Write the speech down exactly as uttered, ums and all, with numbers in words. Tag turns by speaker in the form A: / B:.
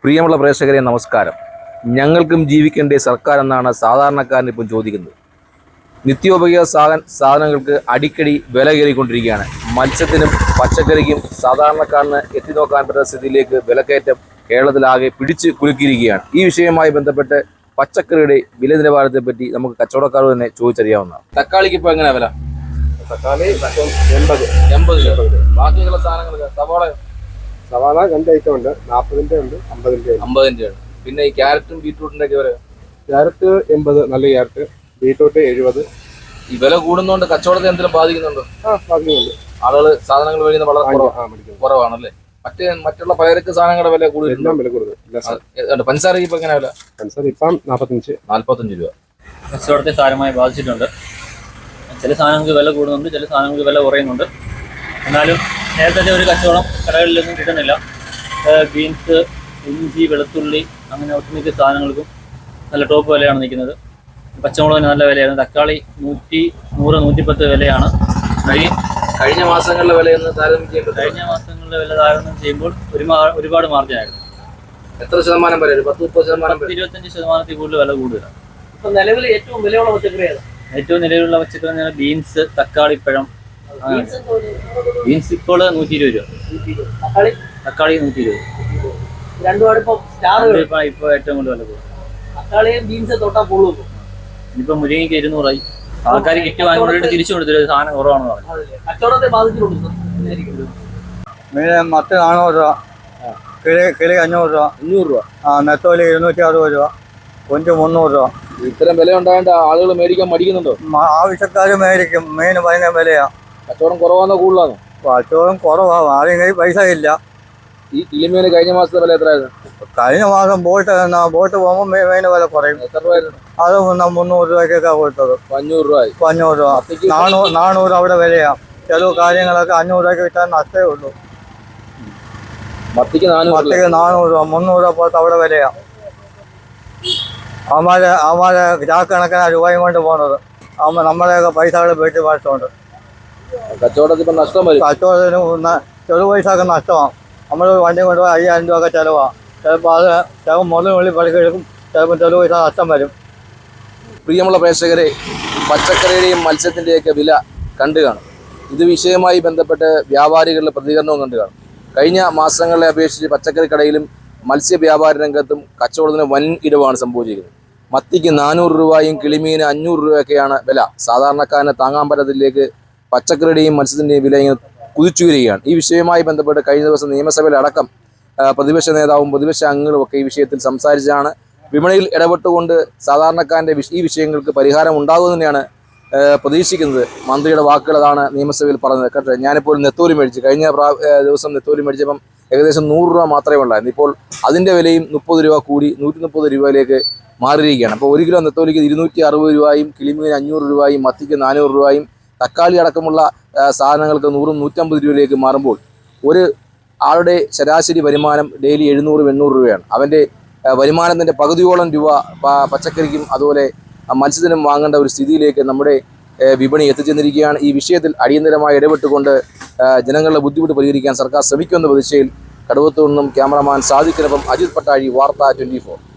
A: പ്രിയമുള്ള പ്രേക്ഷകരെ നമസ്കാരം. ഞങ്ങൾക്കും ജീവിക്കേണ്ട സർക്കാർ എന്നാണ് സാധാരണക്കാരൻ ഇപ്പം ചോദിക്കുന്നത്. നിത്യോപയോഗ സാധന സാധനങ്ങൾക്ക് അടിക്കടി വില കയറിക്കൊണ്ടിരിക്കുകയാണ്. മത്സ്യത്തിനും പച്ചക്കറിക്കും സാധാരണക്കാരന് എത്തി നോക്കാൻ പറ്റുന്ന സ്ഥിതിയിലേക്ക് വിലക്കയറ്റം കേരളത്തിലാകെ പിടിച്ച് കുലുക്കിയിരിക്കുകയാണ്. ഈ വിഷയവുമായി ബന്ധപ്പെട്ട് പച്ചക്കറിയുടെ വില നിലവാരത്തെ പറ്റി നമുക്ക് കച്ചവടക്കാർ തന്നെ ചോദിച്ചറിയാവുന്നതാണ്. തക്കാളിക്ക് ഇപ്പോൾ എങ്ങനെയാണ് വില?
B: തക്കാളി എൺപത്
A: എൺപത് ബാക്കിയുള്ള സാധനങ്ങൾക്ക് സവാള
B: സവാള രണ്ട് ഐറ്റം ഉണ്ട്, നാൽപ്പതിൻ്റെ ഉണ്ട്, അമ്പതിൻ്റെ ഉണ്ട്.
A: അമ്പതിൻ്റെ ഉണ്ട്. പിന്നെ ഈ ക്യാരറ്റും ബീറ്റ്റൂട്ടിൻ്റെ ഒക്കെ വില?
B: ക്യാരറ്റ് എൺപത്, നല്ല ക്യാരറ്റ്. ബീറ്റ്റൂട്ട് എഴുപത്.
A: ഈ വില കൂടുന്നതുകൊണ്ട് കച്ചവടത്തെ എന്തെങ്കിലും ബാധിക്കുന്നുണ്ടോ?
B: ആ ബാധിക്കുന്നുണ്ട്.
A: ആളുകൾ സാധനങ്ങൾ മേടിക്കുന്നത് വളരെ കുറവാണല്ലേ? മറ്റേ മറ്റുള്ള പലചരക്ക് സാധനങ്ങളുടെ വില കൂടുതൽ
B: എല്ലാം വില കൂടുതൽ.
A: പഞ്ചസാരക്ക് ഇപ്പൊ എങ്ങനെ വില?
B: പഞ്ചസാര ഇപ്പം നാൽപ്പത്തഞ്ച്
A: നാല്പത്തഞ്ച് രൂപ.
C: കച്ചവടത്തെ സാരമായി ബാധിച്ചിട്ടുണ്ട്. ചില സാധനങ്ങൾക്ക് വില കൂടുന്നുണ്ട്, ചില സാധനങ്ങൾക്ക് വില കുറയുന്നുണ്ട്. എന്നാലും നേരത്തെ ഒരു കച്ചവടം കടകളിലൊന്നും കിട്ടുന്നില്ല. ബീൻസ്, ഇഞ്ചി, വെളുത്തുള്ളി അങ്ങനെ ഒട്ടുമിക്ക സാധനങ്ങൾക്കും നല്ല ടോപ്പ് വിലയാണ് നിൽക്കുന്നത്. പച്ചമുളകിന് നല്ല വിലയാണ്. തക്കാളി നൂറ്റി നൂറ് നൂറ്റിപ്പത്ത് വിലയാണ്.
A: കഴിഞ്ഞ കഴിഞ്ഞ മാസങ്ങളിലെ വിലയൊന്ന് താരതമ്യം ചെയ്യുമ്പോൾ
C: കഴിഞ്ഞ മാസങ്ങളിലെ വില താരതമ്യം ചെയ്യുമ്പോൾ ഒരുപാ ഒരുപാട് മാർജിനായിരുന്നു.
A: എത്ര ശതമാനം വരെ? പത്ത് മുപ്പത് ശതമാനം,
C: ഇരുപത്തഞ്ച് ശതമാനത്തിൽ കൂടുതൽ വില കൂടുതലാണ്.
D: ഇപ്പൊ നിലവിൽ ഏറ്റവും വിലയുള്ള പച്ചക്കറി ഏതാ?
C: ഏറ്റവും നിലവിലുള്ള പച്ചക്കറി ബീൻസ്, തക്കാളിപ്പഴം. ബീൻസ് ഇപ്പോൾ നൂറ്റി ഇരുപത് രൂപ,
D: തക്കാളി
C: തക്കാളി നൂറ്റി ഇരുപത്.
D: രണ്ടുപാട് ഇപ്പൊ സ്റ്റാർ
C: ഇപ്പൊ ഇപ്പൊ ഏറ്റവും കൂടുതൽ വില കൂടും.
D: തക്കാളിയും ബീൻസ് തൊട്ടാ പൊള്ളു.
C: ഇനിയിപ്പോ മുരിങ്ങയ്ക്ക് ഇരുന്നൂറായി. ആൾക്കാർ കിറ്റ് വാങ്ങിക്കൊണ്ടിട്ട് തിരിച്ചു കൊടുത്തിട്ട് സാധനം കുറവാണെന്ന് പറഞ്ഞു.
D: കച്ചവടത്തെ ബാധിച്ചിട്ടുണ്ട്.
E: മീൻ മത്തി നാനൂറ് രൂപ, കിളി കിളി അഞ്ഞൂറ് രൂപ,
A: അഞ്ഞൂറ് രൂപ.
E: ആ നെത്തോലി ഇരുന്നൂറ്റി അറുപത് രൂപ, കൊഞ്ച് മുന്നൂറ് രൂപ.
A: ഇത്തരം വില ഉണ്ടായിട്ട് ആളുകൾ മേടിക്കാൻ മടിക്കുന്നുണ്ടോ?
E: ആവശ്യക്കാർ മേടിക്കും. മീൻ ഭയങ്കര വിലയാണ്.
A: കച്ചവടം കുറവാണോ കൂടുതലാണോ?
E: കച്ചവടം കുറവാണ്. ആരും കയ്യിൽ പൈസ ഇല്ല.
A: ഈ കിളിമീന് കഴിഞ്ഞ മാസത്തെ വില എത്രയായിരുന്നു?
E: കഴിഞ്ഞ മാസം ബോട്ട് ബോട്ട് പോകുമ്പോൾ മീൻ വില കുറയും.
A: എത്ര രൂപയായിരുന്നു?
E: അത് മുന്നൂറ് രൂപയ്ക്കൊക്കെ കൊടുത്തത്.
A: അഞ്ഞൂറ് രൂപ.
E: ഇപ്പം അഞ്ഞൂറ് രൂപ. നാനൂറ് നാനൂറ് അവിടെ വിലയാണ്. ചില കാര്യങ്ങളൊക്കെ അഞ്ഞൂറ് രൂപയ്ക്ക് വിറ്റാൽ നഷ്ടമേ ഉള്ളൂ.
A: മത്തിക്ക് നാനൂറ്
E: മത്തിക്ക് നാനൂറ് രൂപ, മുന്നൂറ് രൂപ പോലത്തെ അവിടെ വിലയാണ്. അവന്മാരെ അവന്മാരെ ചാക്കണക്കിന് രൂപയും കൊണ്ട് പോകുന്നത്. അവ നമ്മളെയൊക്കെ പൈസകൾ വീട്ടിൽ വാഴ്ത്തുണ്ട്.
A: കച്ചവടത്തിൽ ഇപ്പം നഷ്ടം വരും.
E: കച്ചവടത്തിന് ചെറു പൈസ ഒക്കെ നഷ്ടമാണ്. നമ്മൾ വണ്ടി കൊണ്ടുപോയി അയ്യായിരം രൂപ ഒക്കെ ചിലവാണ്. ചിലപ്പോൾ അത് ചിലപ്പോൾ മുതൽ വെള്ളി പണിക്കെടുക്കും, ചിലപ്പോൾ ചെറു പൈസ നഷ്ടം വരും.
A: പ്രിയമുള്ള പ്രേക്ഷകരെ, പച്ചക്കറിയുടെയും മത്സ്യത്തിൻ്റെയൊക്കെ വില കണ്ടു കാണും. ഇത് വിഷയവുമായി ബന്ധപ്പെട്ട് വ്യാപാരികളുടെ പ്രതികരണവും കണ്ടു കാണും. കഴിഞ്ഞ മാസങ്ങളെ അപേക്ഷിച്ച് പച്ചക്കറി കടയിലും മത്സ്യ വ്യാപാര രംഗത്തും കച്ചവടത്തിന് വൻ ഇടിവാണ് സംഭവിച്ചിരിക്കുന്നത്. മത്തിക്ക് നാനൂറ് രൂപയും കിളിമീന് അഞ്ഞൂറ് രൂപയൊക്കെയാണ് വില. സാധാരണക്കാരന് താങ്ങാൻ പറ്റത്തിലേക്ക് പച്ചക്കറിയുടെയും മത്സ്യത്തിൻ്റെയും വില ഇങ്ങനെ കുതിച്ചുയരുകയാണ്. ഈ വിഷയവുമായി ബന്ധപ്പെട്ട് കഴിഞ്ഞ ദിവസം നിയമസഭയിലടക്കം പ്രതിപക്ഷ നേതാവും പ്രതിപക്ഷ അംഗങ്ങളും ഒക്കെ ഈ വിഷയത്തിൽ സംസാരിച്ചാണ്. വിപണിയിൽ ഇടപെട്ടുകൊണ്ട് സാധാരണക്കാരൻ്റെ ഈ വിഷയങ്ങൾക്ക് പരിഹാരം ഉണ്ടാകുമെന്ന് തന്നെയാണ് പ്രതീക്ഷിക്കുന്നത്. മന്ത്രിയുടെ വാക്കുകൾ അതാണ് നിയമസഭയിൽ പറഞ്ഞത്. കേട്ടോ, ഞാനിപ്പോൾ നെത്തോലി മേടിച്ചു. കഴിഞ്ഞ പ്രാ ദിവസം നെത്തോലി മേടിച്ചപ്പം ഏകദേശം നൂറ് രൂപ മാത്രമേ ഉള്ളായിരുന്നു. ഇപ്പോൾ അതിൻ്റെ വിലയും മുപ്പത് രൂപ കൂടി നൂറ്റി മുപ്പത് രൂപയിലേക്ക് മാറിയിരിക്കുകയാണ്. അപ്പോൾ ഒരു കിലോ നെത്തോലിക്ക് ഇരുന്നൂറ്റി അറുപത് രൂപയും കിളിമീന് അഞ്ഞൂറ് രൂപയും മത്തിക്ക് നാനൂറ് രൂപയും തക്കാളി അടക്കമുള്ള സാധനങ്ങൾക്ക് നൂറും നൂറ്റമ്പത് രൂപയിലേക്ക് മാറുമ്പോൾ ഒരു ആളുടെ ശരാശരി വരുമാനം ഡെയിലി എഴുന്നൂറ് എണ്ണൂറ് രൂപയാണ്. അവൻ്റെ വരുമാനത്തിൻ്റെ പകുതിയോളം രൂപ പച്ചക്കറിക്കും അതുപോലെ മത്സ്യത്തിനും വാങ്ങേണ്ട ഒരു സ്ഥിതിയിലേക്ക് നമ്മുടെ വിപണി എത്തിച്ചെന്നിരിക്കുകയാണ്. ഈ വിഷയത്തിൽ അടിയന്തരമായി ഇടപെട്ടുകൊണ്ട് ജനങ്ങളുടെ ബുദ്ധിമുട്ട് പരിഹരിക്കാൻ സർക്കാർ ശ്രമിക്കുമെന്ന പ്രതീക്ഷയിൽ കടുവത്തൂർ നിന്നും ക്യാമറമാൻ സാദിഖിനൊപ്പം അജിത് പട്ടാഴി, വാർത്ത ട്വൻറ്റി ഫോർ.